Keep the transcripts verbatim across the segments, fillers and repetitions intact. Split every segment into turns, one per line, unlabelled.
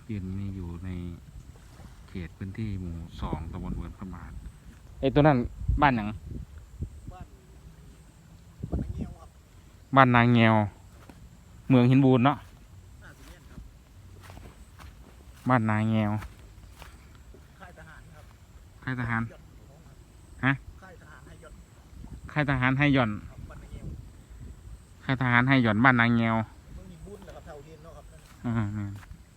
ยืนนี่อยู่ในเขตพื้นที่หมู่สองตำบลเวิร์นพระบาทไอ้ตัวนั้นบ้านหยัง
บ้านบ้านนางเงี้ยวครับ
บ้านนางแงวเมืองหินบูนเนาะ
น่าจะเนี่ยครับ
บ้านนางแงว
ค่ายทหารครับ
ค่ายทหาร
ยศของครับ
ฮะ
ค่ายทหารให้ยศ
ค่ายทหารให้หย่อน
ครับบ้านนางเงี้ยว
ค่ายทหารให้หย่อนบ้านนางแงว
เมืองหินบุญนะครับเท่าเทียนเนาะครับนั่น
อืมอืม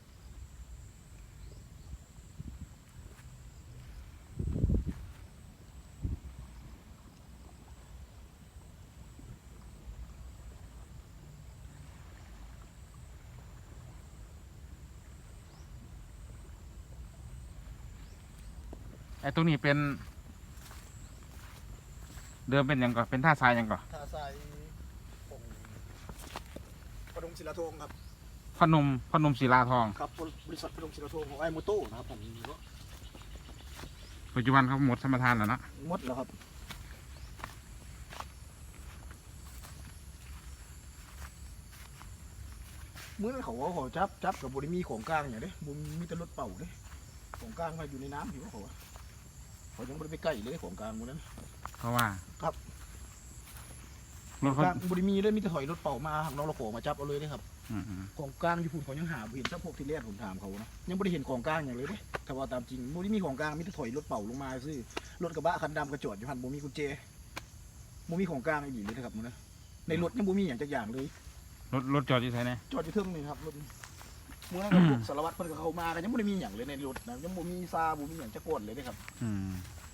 ไอ้ตรงนี้เป็นเดิมเป็นหยังก่อนเป็นท่าทรายหยังก่อน
ท่าทรายของพนมศิลาธงครับ
พนมพนมศิลาทอง
ครับบริษัทพนมศิลาธงของไอ้โมโต้นะครับผม
ปัจจุบันเขาหมดสมรทานแล้วเนาะ
หมดแล้วครับเมื่อนั้นเขาว่าเขาจับจับกับบริมีของกลางอย่างเด้บุมีแต่รถเป่าเด้ของกลางมาอยู่ในน้ำอยู่เขาว่าเขายังไม่ได้ไปใกล้เลยของกลางหมดนั้น
เพราะว่า
ครับ
รถ
ก
เขา
ลางบริมีเลยมีแต่ถอยรถเป่ามาหักน้องเราขอมาจับเอาเลยนะครับ
อืมอืม
ของกลางอยู่พุ่นเขายังหาบ่เห็นสักพวกที่แรกผมถามเขานะยังไม่ได้เห็นของกลางอย่างเลยเด้แต่ว่าตามจริงบ่ได้มีของกลางมีแต่ถอยรถเป่าลงมาซื้อรถกระบะคันดำกระจอดอยู่หันบ่มีกุญแจบ่มีของกลางอีหลีเลยนะครับมึงนะในรถยังบ่มีอย่างจักอย่างเลย
รถรถจอดอยู่ไหนเนี่ย
จอดอยู่เทิงนี่ครับรถมื้อนั้นกับพวกสารวัตรเพิ่นก็เข้ามากันยังบ่ได้มีหยังเลยในรถนะยังบ่มีซาบ่มีหยังจักกวนเลยเด้ครับ
อืม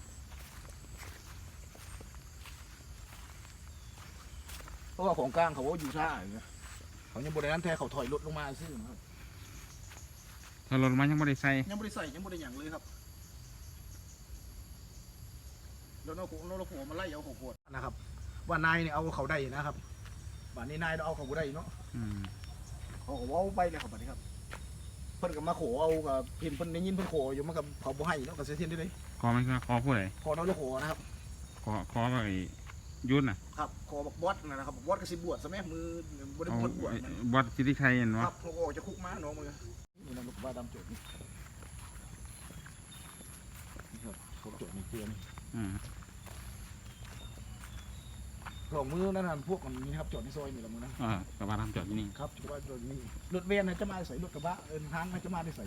เพราะว่าของกลางเขาว่าอยู่ท่าอย่างเงี้ยเขายังบ่ได้นั้นแท้เขาถอยรถลงมาซื้อนะครับ
ถ้ารถมันยังไม่ได้ใส่
ยังบ่ได้ใส่ยังบ่ได้หยังเลยครับแล้วน้องน้องเราผมมาไล่เอาของโหดนะครับว่านายเนี่ยเอาเขาได้นะครับบ้านนี้นายเราเอาเขาบ่ได้เนาะ
อืม
เขาก็เว้าไปเลยครับบัดนี้ครับเพิ่นก็มาโขเอากับเพิ่นเพิ่นได้ยินเพิ่นโขอยู่มันกับเขาบ่ให้เนาะก็เสียเทียนได้เลย
ขอไม่ใช่ขอผู้ใด
ขอน้องเราโขนะครับ
ขอขอไอ้ยุ่นน่ะ
ครับขอบักบอสนะครับบักบอสก็สิบวชซะแม่มือบ่ได้
เอา
บวชบวช
ไอ้
มัน
วัดสิทธิชัยเห็น
คว
ะ
รับเขาก็ออกจากคุกมาน้องมือนี่นะลูกบ้าดำจดนี่นี่ครับเขาจดในเตียง
อืม
กล่องมือนั่นน่ะพวกมันนี้นะครับจอดในซอยนี่ละมือนะ
อ่ากระบะทำจอดที่นี่
ครับกระบะจอดนี่รถเวนนะจะมาใส่รถกระบะเอินทางนะจะมาได้ใส่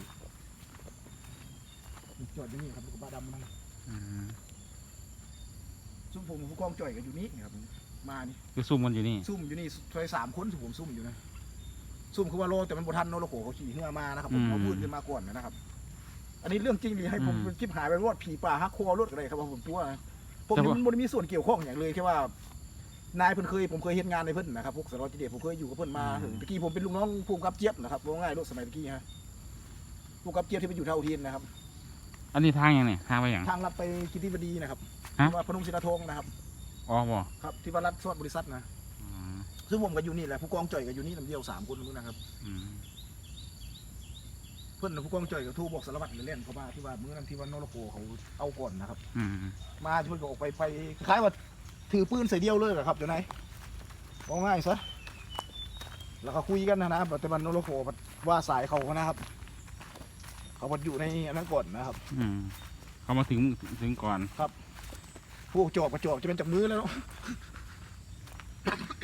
จอดอยู่นี่ครับรถกระบะดำนั่น
อืม
ซุ่มผมผู้กองจ่อยกันอยู่นี่ครับมานี่
คือซุ่มมันอยู่นี่
ซุ่มอยู่นี่ซอยสามคนซุ่มผมซุ่มอยู่นะซุ่มคือว่าโลแต่มันบทันโนโลโขเขาขี่ขึ้นมานะครับผมเอาพูดขึ้นมาก่อนนะครับ อันนี้เรื่องจริงเลยให้ผมคลิปหายไปรอดผีป่าฮักโครถอะไรครับผมตัวผมมันไม่ได้มีส่วนเกี่ยวข้องอย่างเลยแค่ว่านายเพิ่นเคยผมเคยเห็นงานในเพิ่นนะครับพวกสารวัตรเดชผมเคยอยู่กับเพิ่นมาถึงตะกี้ผมเป็นลูกน้องผู้กำกับเจี๊ยบนะครับว่าง่ายรถสมัยตะกี้ฮะผู้กำกับเจี๊ยบที่ไปอยู่เท่าเทียนนะครับ
อันนี้ทางยังเนี่ยทางไปอย่าง
ทางลัดไปกิติบดีนะครับ
ฮะ
ที่ว่าพนมศิลาธงนะครับ
อ๋อบ่
ครับที่ว่ารัฐสวัสดิ์บริษัทนะ
อืม
ซึ่งผมก็อยู่นี่แหละผู้กองจ่อยก็อยู่นี่ลำเดียวสามคนนู้นนะครับ
อืม
เพื่อนผู้กองจ่อยก็โทรบอกสารวัตรเล่นเขามาที่ว่ามื้อนั้นที่ว่านรโขเขาเอาก่อนนะครับ
อืม
มาช่วยก็ออกไปไปคล้ายว่าถือปืนใส่เดียวเลยเหรอครับเดี๋ยวไหนบอกง่ายซะแล้วก็คุยกันนะนะแต่มันนรโขว่าสายเขานะครับ เขาบรรอยู่ในอันนั้นก่อนนะครับ
อืมเขามาถึงถึงก่อน
พวกจอบกระจอบจะเป็นจากมือแล้วเนาะ